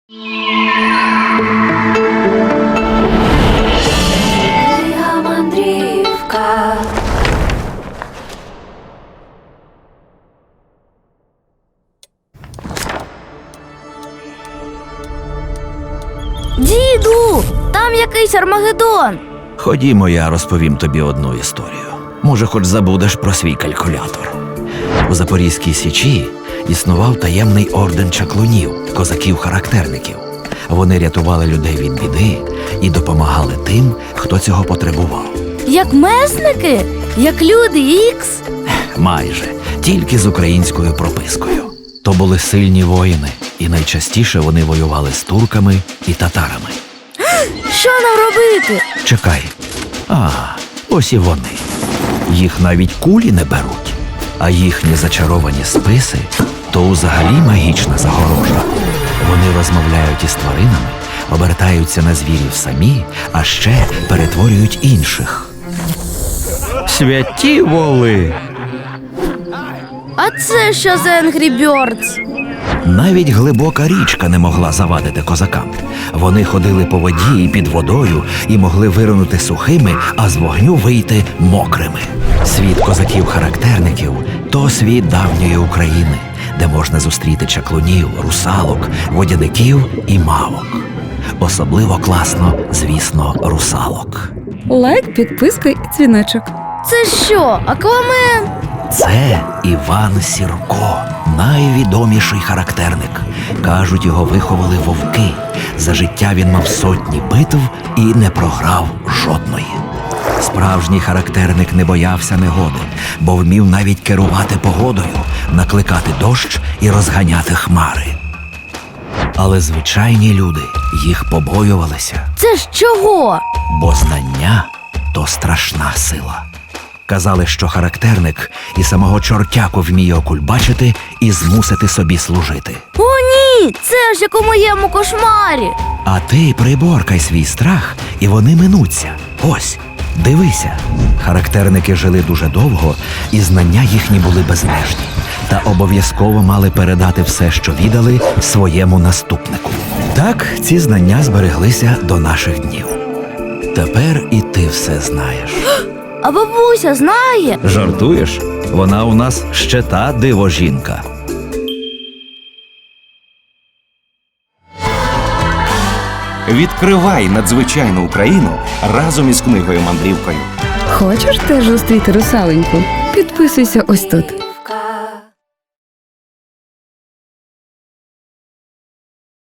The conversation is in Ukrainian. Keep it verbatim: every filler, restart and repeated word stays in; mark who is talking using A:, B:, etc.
A: Моя мандрівка.
B: Діду, там якийсь Армагеддон.
C: Ходімо, я розповім тобі одну історію. Може, хоч забудеш про свій калькулятор. У Запорізькій Січі існував таємний орден чаклунів, козаків-характерників. Вони рятували людей від біди і допомагали тим, хто цього потребував.
B: Як месники? Як люди ікс?
C: Майже, тільки з українською пропискою. То були сильні воїни, і найчастіше вони воювали з турками і татарами.
B: Що нам робити?
C: Чекай. А, ось і вони. Їх навіть кулі не беруть. А їхні зачаровані списи – то взагалі магічна загорожа. Вони розмовляють із тваринами, обертаються на звірів самі, а ще перетворюють інших. Святі воли!
B: А це що за Angry Birds?
C: Навіть глибока річка не могла завадити козакам. Вони ходили по воді і під водою і могли виринути сухими, а з вогню вийти мокрими. Світ козаків-характерників – то світ давньої України, де можна зустріти чаклунів, русалок, водяників і мавок. Особливо класно, звісно, русалок.
D: Лайк, підписка і дзвіночок.
B: Це що, Аквамен?
C: Це Іван Сірко, найвідоміший характерник. Кажуть, його виховали вовки. За життя він мав сотні битв і не програв жодної. Справжній характерник не боявся негоди, бо вмів навіть керувати погодою, накликати дощ і розганяти хмари. Але звичайні люди їх побоювалися,
B: Це ж чого?
C: бо знання – то страшна сила. Казали, що характерник і самого чортяку вміє окульбачити і змусити собі служити.
B: О, ні! Це ж як у моєму кошмарі.
C: А ти приборкай свій страх, і вони минуться. Ось, дивися. Характерники жили дуже довго, і знання їхні були безмежні. Та обов'язково мали передати все, що віддали, своєму наступнику. Так ці знання збереглися до наших днів. Тепер і ти все знаєш.
B: А бабуся знає?
C: Жартуєш? Вона у нас ще та дивожінка.
E: Відкривай надзвичайну Україну разом із книгою-мандрівкою.
D: Хочеш теж зустріти русаленьку? Підписуйся ось тут.